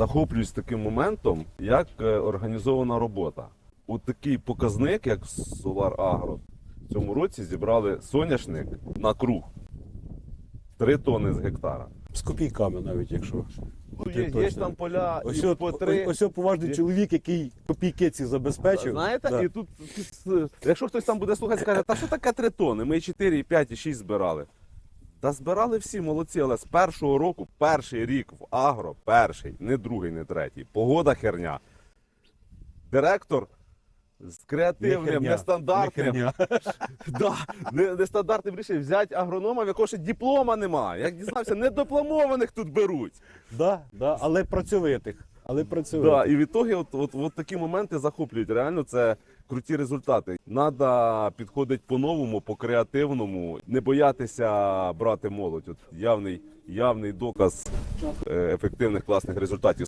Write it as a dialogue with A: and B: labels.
A: захоплююсь таким моментом, як організована робота. От такий показник, як Solar Agro, в цьому році зібрали соняшник на круг 3 тонни з гектара.
B: З копійками навіть, якщо.
A: Ну, є там поля
B: Ось,
A: і по 3.
B: ось поважний чоловік, який копійки ці забезпечив.
A: Знаєте,
B: Да.
A: і тут, якщо хтось там буде слухати, скаже, та що таке 3 тонни? Ми і 4, і 5, і 6 збирали. Та збирали всі, молодці, але з першого року, перший рік в агро, перший, не другий, не третій. Погода херня. Директор з креативним, нестандартним, нестандартним рішенням взяти агронома, в якого ще диплома немає. Як дізнався, недипломованих тут беруть.
B: Але працьовитих.
A: Да, і в ітогі от такі моменти захоплюють. Реально це круті результати. Надо підходити по-новому, по-креативному, не боятися брати молодь. От явний доказ ефективних класних результатів.